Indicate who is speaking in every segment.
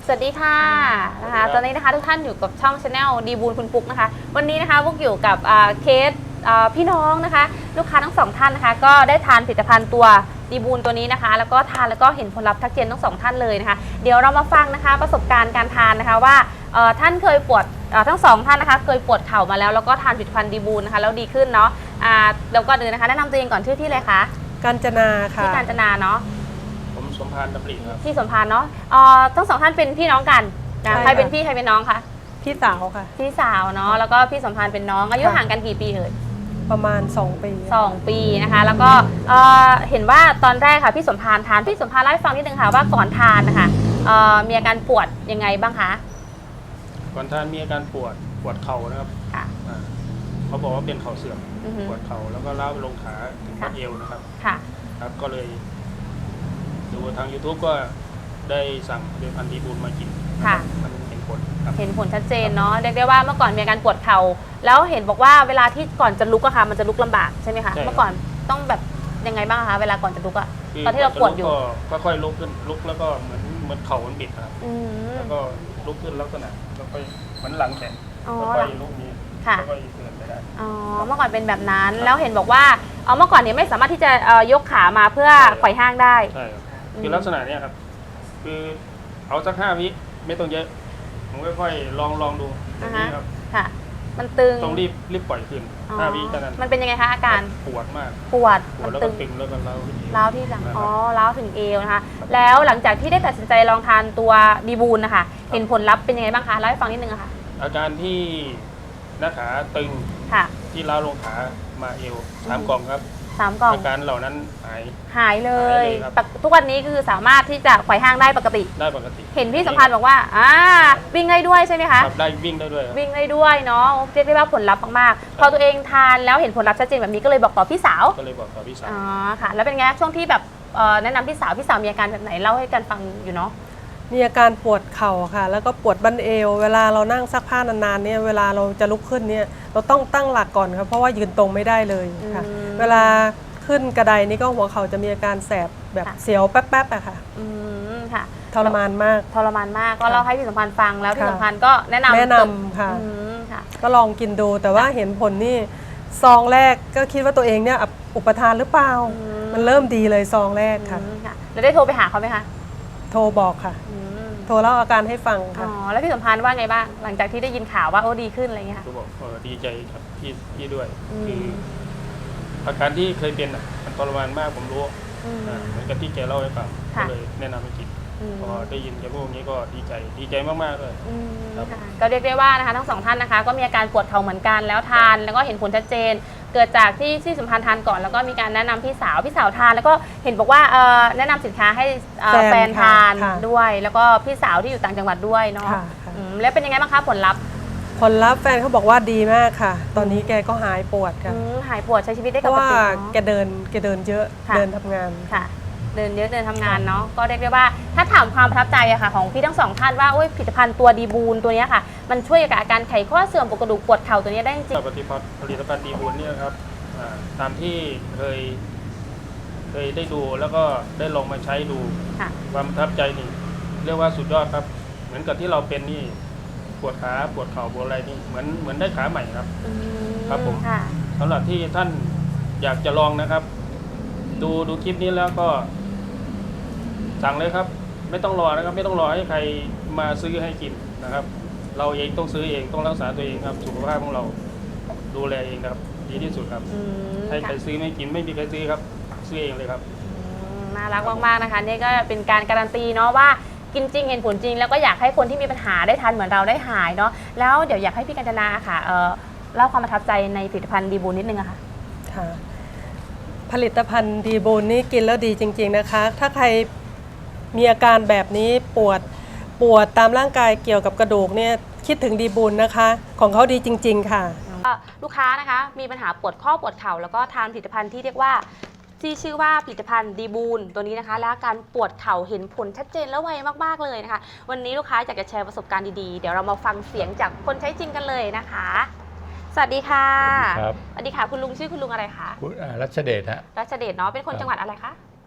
Speaker 1: สวัสดีค่ะนะคะตอนนี้นะคะทุกท่านอยู่กับช่องชาแนลดีบูลคุณปุ๊กนะคะวันนี้นะคะพวกอยู่กับเคสพี่น้องนะคะลูกค้าทั้งสองท่านนะคะก็ได้ทานผลิตภัณฑ์ตัวดีบูลตัวนี้นะคะแล้วก็ทานแล้วก็เห็นผลลัพธ์ทักเจนทั้งสองท่านเลยนะคะเดี๋ยวเรามาฟังนะคะประสบการณ์การทานนะคะว่าท่านเคยปวดทั้งสองท่านนะคะเคยปวดเข่ามาแล้วก็ทานผลิตภัณฑ์ดีบูลนะคะแล้วดีขึ้นเนาะแล้วก็เดินนะคะแนะนำตัวเองก่อนชื่อที่เลยคะ
Speaker 2: กาญจนาค่ะ
Speaker 1: ที่กาญจนาเนาะ
Speaker 3: ผมสมพานดำริครับ
Speaker 1: ที่สมพานเนาะทั้งสองท่านเป็นพี่น้องกันใครเป็นพี่ใครเป็นน้องคะ
Speaker 2: พี่สาวค่ะ
Speaker 1: พี่สาวเนาะแล้วก็พี่สมพานเป็นน้องอายุห่างกันกี่ปีเอ่ย
Speaker 2: ประมาณ2 ปี
Speaker 1: 2 ปีนะคะแล้วก็เห็นว่าตอนแรกค่ะพี่สมพานพี่สมพานเล่าให้ฟังนิดนึงค่ะว่าก่อนทานนะคะมีอาการปวดยังไงบ้างคะ
Speaker 3: ก่อนทานมีอาการปวดเข่านะครับเขาบอกว่าเป็นเข่าเสื่อมปวดเข่าแล้วก็ล้าวไปลงขาถึงข้อเอวนะครับครับก็เลยดูทาง YouTube ก็ได้สั่งผลิตภัณฑ์ดีบูลมากินมันเห็นผล
Speaker 1: เห็นผลชัดเจนเนาะเรียกได้ว่าเมื่อก่อนมีอาการปวดเข่าแล้วเห็นบอกว่าเวลาที่ก่อนจะลุกอะค่ะมันจะลุกลำบากใช่ไหมคะเมื่อก่อนต้องแบบยังไงบ้างคะเวลาก่อนจะลุกอะตอนที่เราปวดอยู่
Speaker 3: ก็ค่อยลุกขึ้นลุกแล้วก็เหมือนเข่ามันบิดครับแล้วก็ลุกขึ้นลักษณะแล้วก็เหมือนหลังแข็งแล้วก็ลุกนี้แล้วก็เดินไปได้
Speaker 1: เมื่อก่อนเป็นแบบนั้นแล้วเห็นบอกว่าเมื่อก่อนเนี่ยไม่สามารถที่จะยกขามาเพื่อไขว่ห้างได้
Speaker 3: ใช่คือลักษณะนี้ครับคือเอาสัก5 วิไม่ต้องเยอะผมค่อยๆลองดูอย่างนี้ครับ
Speaker 1: ค่ะมันตึง
Speaker 3: ต้องรีบปล่อยขึ้น5 วิเท่านั้น
Speaker 1: มันเป็นยังไงคะอาการ
Speaker 3: ปวดมาก
Speaker 1: ปวด
Speaker 3: แล้วก็ตึงแล้วก็
Speaker 1: ร้าวที่หลังร้าวถึงเอวนะคะแล้วหลังจากที่ได้ตัดสินใจลองทานตัวดีบูลนะคะเห็นผลลัพธ์เป็นยังไงบ้างคะเล่าให้ฟังนิดนึงค่ะ
Speaker 3: อาการที่หน้าขาตึงที่ร้าวลงขามาเอว3 กล่องครับ
Speaker 1: 3 กล่อง
Speaker 3: อาการเหล่านั้น
Speaker 1: หายเลยทุกวันนี้คือสามารถที่จะไขว่ห้างได้ปกติเห็นพี่สัมพันธ์บอกว่าวิ่งได้ด้วยใช่ไหมคะ
Speaker 3: ได้วิ่งได้ด้วย
Speaker 1: วิ่งได้ด้วยเนาะเรียกได้ว่าผลลัพธ์มากๆพอตัวเองทานแล้วเห็นผลลัพธ์ชัดเจนแบบนี้ก็เลยบอกต่อพี่สาวค่ะแล้วเป็นไงช่วงที่แบบแนะนำพี่สาวมีอาการแบบไหนเล่าให้กันฟังอยู่เนาะ
Speaker 2: มีอาการปวดเข่าค่ะแล้วก็ปวดบั้นเอวเวลาเรานั่งซักผ้านานๆเนี่ยเวลาเราจะลุกขึ้นเนี่ยเราต้องตั้งหลักก่อนครับเพราะว่ายืนตรงไม่ได้เลยค่ะเวลาขึ้นกระไดนี่ก็หัวเข่าจะมีอาการแสบแบบเสียวแป๊บๆอะค่ะ
Speaker 1: ค่ะ
Speaker 2: ทรมานมาก
Speaker 1: ก็เล่าให้พี่สัมพันธ์ฟังแล้วพี่สัมพันธ์ก็แนะน
Speaker 2: ำค่ะก็ลองกินดูแต่ว่าเห็นผลนี่ซองแรกก็คิดว่าตัวเองเนี่ยอุปทานหรือเปล่ามันเริ่มดีเลยซองแรกค่ะ
Speaker 1: แล้วได้โทรไปหาเขาไหมคะ
Speaker 2: โทรบอกค่ะโทรเล่าอาการให้ฟังค่ะ
Speaker 1: แล้วพี่สัมพันธ์ว่าไงบ้างหลังจากที่ได้ยินข่าวว่าดีขึ้นอะไรเงี้ยค่ะ
Speaker 3: ก็บอกดีใจครับพี่ด้วยคืออาการที่เคยเป็นมันทรมานมากผมรู้เหมือนกับที่แกเล่าให้ฟังก็เลยแนะนำให้กินพอได้ยินแกพูดอย่างนี้ก็ดีใจมากๆเลย
Speaker 1: ก็เรียกได้ว่านะคะทั้งสองท่านนะคะก็มีอาการปวดเข่าเหมือนกันแล้วทานแล้วก็เห็นผลชัดเจนเกิดจากที่สัมพันธ์ทานก่อนแล้วก็มีการแนะนำพี่สาวทานแล้วก็เห็นบอกว่าแนะนำสินค้าให้แฟนทานด้วยแล้วก็พี่สาวที่อยู่ต่างจังหวัดด้วยเนาะแล้วเป็นยังไงบ้างคะผลลัพธ์
Speaker 2: แฟนเขาบอกว่าดีมากค่ะตอนนี้แกก็หายปวดค่ะ
Speaker 1: หายปวดใช้ชีวิตได้ปกติเพราะ
Speaker 2: ว่าแกเดินเยอะเดินทำงาน
Speaker 1: ค่ะเดินเยอะเดินทำงานเนาะก็เรียกได้ว่าถ้าถามความประทับใจอะค่ะของพี่ทั้งสองท่านว่าผลิตภัณฑ์ตัวดีบูลตัวนี้ค่ะมันช่วยกับอาการไขข้อเสื่อมปวดกระดูกปวดเข่าตัวนี้ได้จริง
Speaker 3: ผลิตภัณฑ์ดีบูลเนี่ยครับตามที่เคยได้ดูแล้วก็ได้ลองมาใช้ดูความประทับใจนี่เรียกว่าสุดยอดครับเหมือนกับที่เราเป็นนี่ปวดขาปวดเข่าปวดอะไรนี่เหมือนได้ขาใหม่ครับครับผมสำหรับที่ท่านอยากจะลองนะครับดูคลิปนี้แล้วก็สั่งเลยครับไม่ต้องรอนะครับไม่ต้องรอให้ใครมาซื้อให้กินนะครับเราเองต้องซื้อเองต้องรักษาตัวเองครับสุขภาพของเราดูแลเองครับดีที่สุดครับให้ใครซื้อไม่กินไม่มีใครซื้อครับซื้อเองเลยครับ
Speaker 1: น่ารักมากๆนะคะนี่ก็เป็นการการันตีเนาะว่ากินจริงเห็นผลจริงแล้วก็อยากให้คนที่มีปัญหาได้ทานเหมือนเราได้หายเนาะแล้วเดี๋ยวอยากให้พี่กัญจนาค่ะเล่าความประทับใจในผลิตภัณฑ์ดีบูลนิดนึงอะค่ะ
Speaker 2: ผลิตภัณฑ์ดีบูลนี่กินแล้วดีจริงๆนะคะถ้าใครมีอาการแบบนี้ปวดตามร่างกายเกี่ยวกับกระดูกเนี่ยคิดถึงดีบูลนะคะของเขาดีจริงๆค่ะ
Speaker 1: ลูกค้านะคะมีปัญหาปวดข้อปวดเข่าแล้วก็ทานผลิตภัณฑ์ที่เรียกว่าที่ชื่อว่าผลิตภัณฑ์ดีบูลตัวนี้นะคะและการปวดเข่าเห็นผลชัดเจนและไวมากๆเลยนะคะวันนี้ลูกค้าอยากจะแชร์ประสบการณ์ดีๆเดี๋ยวเรามาฟังเสียงจากคนใช้จริงกันเลยนะคะสวัสดีค่ะสวัสดีค่ะคุณลุงชื่อคุณลุงอะไรคะ
Speaker 4: รัชเดชฮะ
Speaker 1: รัชเดชเนาะเป็นคนจังหวัดอะไรคะ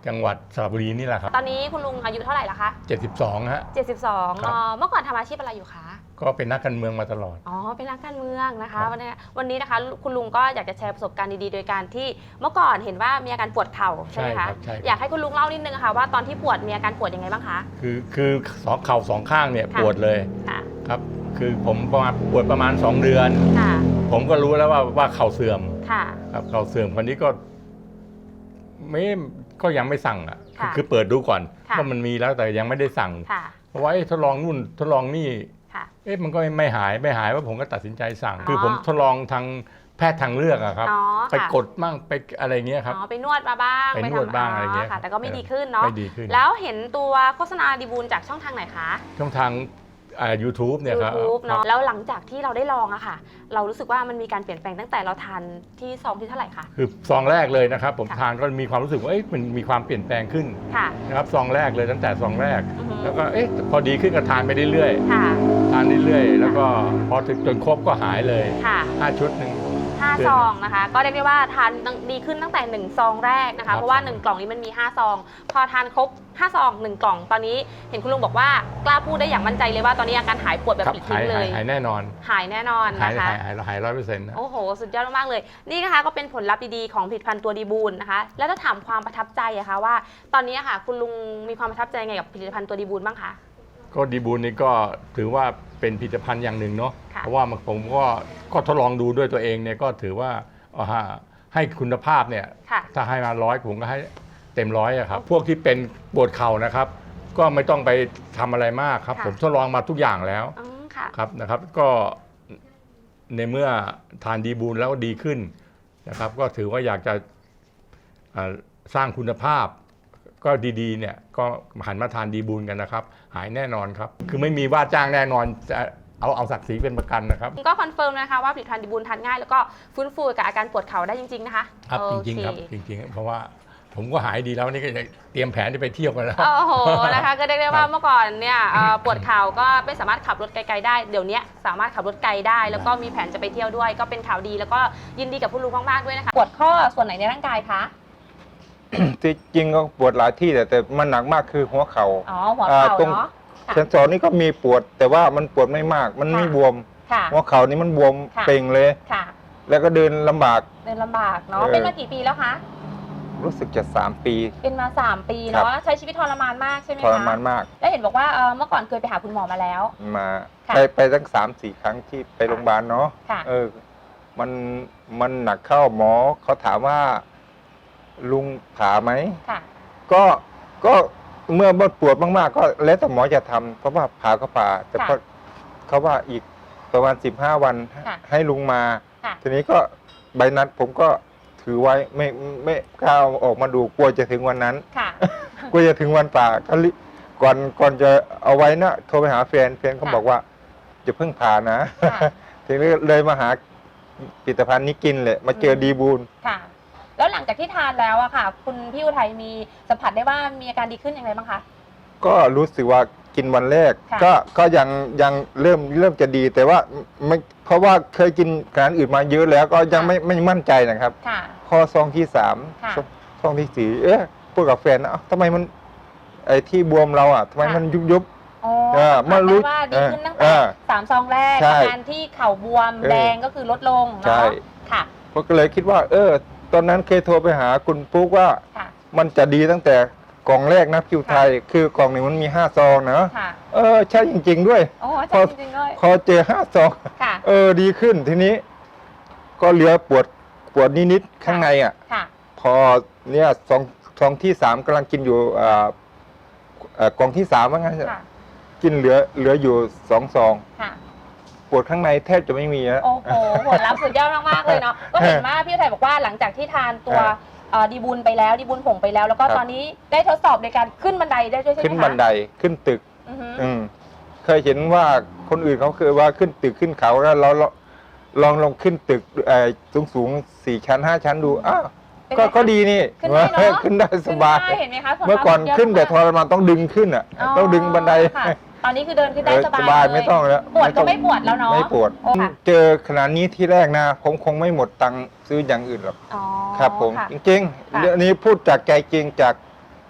Speaker 4: จังหวัดสระบุรีนี่แหละครับ
Speaker 1: ตอนนี้คุณลุงอายุเท่าไหร่ละคะ
Speaker 4: 72ฮะ
Speaker 1: 72
Speaker 4: ครับ
Speaker 1: เมื่อก่อนทำอาชีพอะไรอยู่คะ
Speaker 4: ก็เป็นนักการเมืองมาตลอด
Speaker 1: อ๋อ เป็นนักการเมืองนะ
Speaker 4: ครั
Speaker 1: คะ
Speaker 4: บ
Speaker 1: วันนี้นะคะคุณลุงก็อยากจะแชร์ประสบการณ์ดีๆ โดยการที่เมื่อก่อนเห็นว่ามีอาการปวดเข่าใช่ไหมคะ
Speaker 4: ใช่
Speaker 1: อยากให้คุณลุงเล่านิดนึงค่ะว่าตอนที่ปวดมีอาการปวดยังไงบ้างคะ
Speaker 4: คือสองเข่าสองข้างเนี่ย
Speaker 1: ค่ะ
Speaker 4: ปวดเลย
Speaker 1: ค่ะ
Speaker 4: ครับคือผมปวดประมาณ2 เดือน
Speaker 1: ค่ะ
Speaker 4: ผมก็รู้แล้วว่าเข่าเสื่อม
Speaker 1: ค่ะ
Speaker 4: ครับเข่าเสื่อมคนนี้ก็ยังไม่สั่งอ่ะ
Speaker 1: ค่ะ
Speaker 4: คือเปิดดูก่อน
Speaker 1: ค่ะ
Speaker 4: ว่ามันมีแล้วแต่ยังไม่ได้สั่ง
Speaker 1: ค่ะ
Speaker 4: เพราะว่าทดลองนู่นทดลองนี่
Speaker 1: ค่ะ
Speaker 4: มันก็ไม่หายว่าผมก็ตัดสินใจสั่ง
Speaker 1: อ๋อ
Speaker 4: คือผมทดลองทางแพทย์ทางเลือกอะครับ
Speaker 1: อ๋อ
Speaker 4: ไป
Speaker 1: ค่ะ
Speaker 4: กดมั่งไปอะไรเงี้ยครับ
Speaker 1: อ๋อ ไปนวดมาบ้าง
Speaker 4: ไปนวดบ้างอะไรเงี้ย
Speaker 1: ค่ะ แต่ก็ไม่ดีขึ้นเนาะ
Speaker 4: ไม่ดีขึ้น
Speaker 1: แล้วเห็นตัวโฆษณาดีบูลจากช่องทางไหนคะ
Speaker 4: ช่องทางYouTube เนี่ยครับ
Speaker 1: YouTube เนาะ แล้วหลังจากที่เราได้ลองอะค่ะ เรารู้สึกว่ามันมีการเปลี่ยนแปลงตั้งแต่เราทานที่ซองที่เท่าไหร่คะ
Speaker 4: คือซองแรกเลยนะครับผม
Speaker 1: ค่ะ
Speaker 4: ทานก็มีความรู้สึกว่ามันมีความเปลี่ยนแปลงขึ้น
Speaker 1: ค่ะ
Speaker 4: นะครับซองแรกเลยตั้งแต่ซองแรก
Speaker 1: อือฮึ
Speaker 4: แล้วก็พอดีขึ้นก็ทานไปเรื่อย
Speaker 1: ค่ะ
Speaker 4: ๆทานเรื่อยๆแล้วก็พอถึงจนครบก็หายเลย
Speaker 1: ค่ะ
Speaker 4: 5 ชุดหนึ่ง
Speaker 1: 5 ซองนะคะ ก็เรียกได้ว่าทานดีขึ้นตั้งแต่ 1 ซองแรกนะ
Speaker 4: ครั
Speaker 1: คะ
Speaker 4: บ
Speaker 1: เพราะว่า 1 กล่องนี้มันมี 5 ซอง พอทานครบ 5 ซอง 1 กล่อง ตอนนี้เห็นคุณลุงบอกว่ากล้าพูดได้อย่างมั่นใจเลยว่าตอนนี้อาการหายปวดแบบ
Speaker 4: ครับ
Speaker 1: ปลิด
Speaker 4: หา
Speaker 1: ทิ้
Speaker 4: ย
Speaker 1: งเลย
Speaker 4: หายแน่นอน
Speaker 1: หายแน่นอน
Speaker 4: หาย
Speaker 1: นะคะ
Speaker 4: 100%นะ
Speaker 1: โอ้โห สุดยอดมากๆเลย นี่นะคะก็เป็นผลลัพธ์ดีๆของผลิตภัณฑ์ตัวดีบูลนะคะ แล้วถ้าถามความประทับใจอะคะว่า ตอนนี้อะค่ะ คุณลุงมีความประทับใจไงกับผลิตภัณฑ์ตัวดีบูลบ้างคะ
Speaker 4: ก็ดีบูลนี่ก็ถือว่าเป็นผลิตภัณฑ์อย่างหนึ่งเนาะ
Speaker 1: ค่ะ
Speaker 4: เพราะว่าผมก็ทดลองดูด้วยตัวเองเนี่ยก็ถือว่าให้คุณภาพเนี่ย
Speaker 1: ค่ะ
Speaker 4: ถ้าให้มา100ผมก็ให้เต็ม100อะครับพวกที่เป็นปวดเข่านะครับ ก็ไม่ต้องไปทำอะไรมากครับ
Speaker 1: ค่ะ
Speaker 4: ผมทดลองมาทุกอย่างแล้ว
Speaker 1: อืมค่ะ
Speaker 4: ครับนะครับ ก็ในเมื่อทานดีบูลแล้วดีขึ้นนะครับ ก็ถือว่าอยากจะสร้างคุณภาพ ก็ดีๆเนี่ยก็หันมาทานดีบูลกันนะครับ หายแน่นอนครับ คือไม่มีว่าจ้างแน่นอนจะเอาศักดิ์ศรีเป็นประกันนะครับ
Speaker 1: ก็คอนเฟิร์มนะคะว่าผลิตภัณฑ์ดีบูลทานง่ายแล้วก็ฟื้นฟูกับอาการปวดเข่าได้จริงๆนะคะ
Speaker 4: ครับ
Speaker 1: โอ
Speaker 4: จริง
Speaker 1: เค
Speaker 4: ๆครับจริงๆเพราะว่าผมก็หายดีแล้วนี่ก็จะเตรียมแผนจะไปเที่ยวกันแล้ว
Speaker 1: โอ้โห นะคะ ก็เรียกได้ว่า
Speaker 4: ครับ
Speaker 1: เมื่อก่อนเนี่ยปวดเข่าก็ไม่สามารถขับรถไกลๆได้ เดี๋ยวนี้สามารถขับรถไกลได้ แล้วก็มีแผนจะไปเที่ยวด้วย ก็เป็นข่าวดีแล้วก็ยินดีกับคุณลุงมากๆด้วยนะคะ ปวดข้อส่วนไหนในร่างกายคะ
Speaker 5: ที่จริงก็ปวดหลายที่แต่มันหนักมากคือหัวเขา
Speaker 1: อ๋อ หัวเข่า
Speaker 5: ตรง
Speaker 1: เนาะ ค่ะ
Speaker 5: เซนสอนนี่ก็มีปวด แต่ว่ามันปวดไม่มาก มันไม่
Speaker 1: ค่ะ
Speaker 5: บวม
Speaker 1: ค่ะ
Speaker 5: หัวเข่านี่มันบวม
Speaker 1: ค่ะ
Speaker 5: เป่งเลย
Speaker 1: ค่ะ
Speaker 5: แล้วก็เดินลำบาก
Speaker 1: เดินลำบากเนาะ
Speaker 5: เออ
Speaker 1: เป็นมากี่ปีแล้วคะ
Speaker 5: รู้สึกจะ3 ปี
Speaker 1: เป็นมา 3 ปี
Speaker 5: ครับ
Speaker 1: เนาะ ใช้ชีวิตทรมานมากใช่ไหม
Speaker 5: ท
Speaker 1: คะ
Speaker 5: รมานมาก
Speaker 1: แล้วเห็นบอกว่าเมื่อก่อนเคยไปหาคุณหมอมาแล้ว
Speaker 5: มา
Speaker 1: ค่ะ
Speaker 5: ไปตั้ง3-4 ครั้งที่ไปโรงพยาบาลเนาะ
Speaker 1: ค่ะ
Speaker 5: มันหนักเข้าหมอเขาถามว่าลุงผ่าไหม
Speaker 1: ค่ะ
Speaker 5: ก็เมื่อปวดมากๆก็แล้วแต่หมอจะทำเพราะว่าผ่าก็ผ่า แต่
Speaker 1: ค่ะ
Speaker 5: พอเขาว่าอีกประมาณ15 วัน
Speaker 1: ค่ะ
Speaker 5: ให้ลุงมา
Speaker 1: ค่ะ
Speaker 5: ทีนี้ก็ใบนัดผมก็ถือไว้ไม่กล้าเอาออกมาดูกลัวจะถึงวันนั้น
Speaker 1: ค่ะ
Speaker 5: กลัวจะถึงวันป่าก็ก่อนจะเอาไว้นะโทรไปหาแฟนเขา
Speaker 1: ค่ะ
Speaker 5: บอกว่าจะเพิ่งผ่านะ
Speaker 1: ค่ะ
Speaker 5: ทีนี้เลยมาหาผลิตภัณฑ์นี้กินเลยมาเจอดีบูล
Speaker 1: ค่ะ แล้วหลังจากที่ทานแล้วอะค่ะ คุณพี่อุทัยมีสัมผัสได้ว่ามีอาการดีขึ้นอย่างไรบ้างคะ
Speaker 5: ก็รู้สึกว่ากินวันแรก
Speaker 1: ค่ะ
Speaker 5: ก็ยังเริ่มจะดี แต่ว่าไม่เพราะว่าเคยกินอาหารอื่นมาเยอะแล้วก็ยังไม่มั่นใจนะครับ
Speaker 1: ค่ะ
Speaker 5: พอซองที่3
Speaker 1: ค่ะ
Speaker 5: ซองที่4พูดกับแฟนนะเอ้าทำไมมันไอ้ที่บวมเราทำไมมันยุบ
Speaker 1: อ๋อ
Speaker 5: เมื่อรู้
Speaker 1: สัมผัสได้ว่าดีขึ้นตั้ง
Speaker 5: เอ
Speaker 1: แต่
Speaker 5: อ
Speaker 1: 3 ซองแรก
Speaker 5: ใช่
Speaker 1: อาการที่เข่าบวม
Speaker 5: เออ
Speaker 1: แดงก็คือลดลง
Speaker 5: ใช่
Speaker 1: เนาะค่ะ
Speaker 5: ผมก็เลยคิดว่า ตอนนั้นเคยโทรไปหาคุณปุ๊กว่า
Speaker 1: ค่ะ
Speaker 5: มันจะดีตั้งแต่กล่องแรกนะคิวไทย คือกล่องหนึ่งมันมี5 ซองนะ
Speaker 1: ค่ะ
Speaker 5: ใช่จริง ๆ ด้วย
Speaker 1: โอ้ใช่จริงๆด้วย
Speaker 5: พอเจอ5 ซอง
Speaker 1: ค่ะ
Speaker 5: ดีขึ้นทีนี้ ก็เหลือปวดนิดๆข้างใน
Speaker 1: ค่ะ
Speaker 5: พอเนี่ยซองที่3กำลังกินอยู่กล่องที่3ว่างั้น
Speaker 1: ค่ะ
Speaker 5: กินเหลืออยู่2 ซอง
Speaker 1: ค่ะ
Speaker 5: ปวดข้างในแทบจะไม่มีแล้ว
Speaker 1: โอ้โหผลลัพธ์สุดยอดมากๆเลยเนาะ ก็เห็นว่าพี่อุทัยบอกว่าหลังจากที่ทานตัวดีบูลไปแล้ว ดีบูลผงไปแล้ว แล้วก็
Speaker 5: ครับ
Speaker 1: ตอนนี้ได้ทดสอบในการขึ้นบันไดได้ด้วยใช่ไหมคะ
Speaker 5: ขึ้นบันไดขึ้นตึก
Speaker 1: อือฮึ
Speaker 5: เคยเห็นว่าคนอื่นเขาเคยว่าขึ้นตึกขึ้นเขาแล้วเราลองขึ้นตึกสูง4 ชั้น 5 ชั้นดูอ้าว
Speaker 1: เป็นไงคะ
Speaker 5: ก็ดีนี่
Speaker 1: ขึ้นได้เนอะ
Speaker 5: ขึ้นได้สบาย
Speaker 1: ขึ้นได้เห็นไหมคะผลลัพธ์
Speaker 5: เมื่อก่อน
Speaker 1: สุดยด
Speaker 5: ขึ้นแต่ท
Speaker 1: มาก
Speaker 5: รมานต้องดึงขึ้นต้องดึงบันได
Speaker 1: ค่ะตอนนี้คือเดินขึ้นได้ส
Speaker 5: ส
Speaker 1: บา
Speaker 5: บาย ย
Speaker 1: เลย
Speaker 5: ไม่ต้องแล้ว
Speaker 1: ปวดก็ไม่ปวดแล้วเนาะ
Speaker 5: ไม่ปวด
Speaker 1: โอ้ค่ะ
Speaker 5: เจอขนาดนี้ที่แรกนะผมคงไม่หมดตังค์ซื้ออย่างอื่นหรอก
Speaker 1: อ๋อ
Speaker 5: ครับผม
Speaker 1: ค่ะ
Speaker 5: จริง
Speaker 1: ค่ะ
Speaker 5: ๆเรื่องนี้พูดจากใจจริงจาก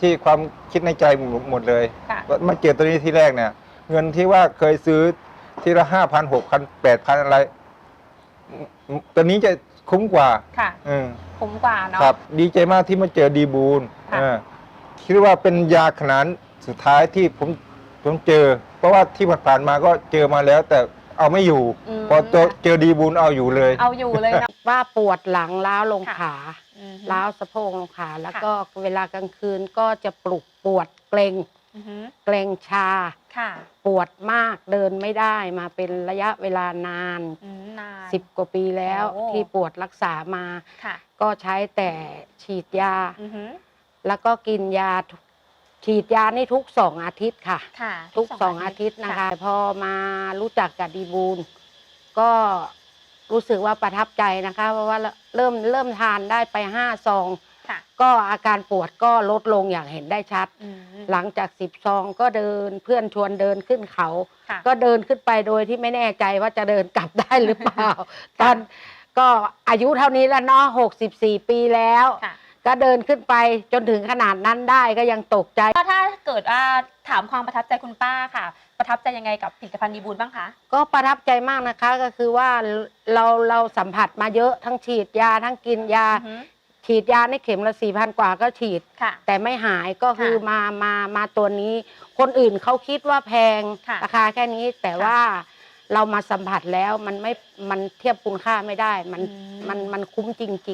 Speaker 5: ที่ความคิดในใจหมดเลย
Speaker 1: ค่ะ
Speaker 5: มาเจอตัวนี้ที่แรกเนี่ย เงินที่ว่าเคยซื้อทีละ5,000 6,000 8,000อะไรตัวนี้จะคุ้มกว่า
Speaker 1: ค่ะ
Speaker 5: อืม
Speaker 1: คุ้มกว่าเนาะ
Speaker 5: ครับดีใจมากที่มาเจอดีบูล
Speaker 1: ค่ะ
Speaker 5: คิดว่าเป็นยาขนาดสุดท้ายที่ผมเจอ เพราะว่าที่ผ่านๆมาก็เจอมาแล้ว แต่เอาไม่อยู่ พอเจอดีบูลเอาอยู่เลย
Speaker 1: เอาอยู่เลยนะ
Speaker 6: ว่าปวดหลังล้าวลง
Speaker 1: ค่ะ
Speaker 6: ขา
Speaker 1: อืม
Speaker 6: ล้าวสะโพกลงขาแล้ว
Speaker 1: ค่ะ
Speaker 6: ก็เวลากลางคืนก็จะปลุกปวดเกรง
Speaker 1: อือฮึ
Speaker 6: เกรงชา
Speaker 1: ค่ะ
Speaker 6: ปวดมากเดินไม่ได้มาเป็นระยะเวลานาน
Speaker 1: นาน
Speaker 6: 10 กว่าปีแล้ว
Speaker 1: โอ้
Speaker 6: ที่ปวดรักษามา
Speaker 1: ค่ะ
Speaker 6: ก็ใช้แต่ฉีดยา
Speaker 1: อือฮึ
Speaker 6: แล้วก็กินยาฉีดยานี่ทุก2 อาทิตย์ค่ะ
Speaker 1: ค่ะ
Speaker 6: ทุก2 อาทิตย์นะคะ พอมารู้จักกับดีบูลก็รู้สึกว่าประทับใจนะคะ เพราะว่าเริ่มทานได้ไป5 ซอง
Speaker 1: ค่ะ
Speaker 6: ก็อาการปวดก็ลดลงอย่างเห็นได้ชัด
Speaker 1: อืม
Speaker 6: หลังจาก10 ซองก็เดินเพื่อนชวนเดินขึ้นเขา
Speaker 1: ค่ะ
Speaker 6: ก็เดินขึ้นไปโดยที่ไม่แน่ใจว่าจะเดินกลับได้หรือเปล่า ตอนก็อายุเท่านี้แล้วเนาะ64 ปีแล้ว
Speaker 1: ค่ะ
Speaker 6: ก็เดินขึ้นไปจนถึงขนาดนั้นได้ก็ยังตกใจ
Speaker 1: ก็ถ้าเกิดว่าถามความประทับใจคุณป้าค่ะ ประทับใจยังไงกับผลิตภัณฑ์ดีบูลบ้างคะ
Speaker 6: ก็ประทับใจมากนะคะก็คือว่าเราสัมผัสมาเยอะทั้งฉีดยาทั้งกินยา
Speaker 1: อือฮึ
Speaker 6: ฉีดยาในเข็มละ4,000 กว่าก็ฉีด
Speaker 1: ค่ะ
Speaker 6: แต่ไม่หายก็คือ
Speaker 1: ค่ะ
Speaker 6: มาตัวนี้ คนอื่นเขาคิดว่าแพง
Speaker 1: ค่ะ
Speaker 6: ราคาแค่นี้แต่
Speaker 1: ค่ะ
Speaker 6: ว่าเรามาสัมผัสแล้วมันเทียบคุณค่าไม่ได้ มันคุ้มจริงๆ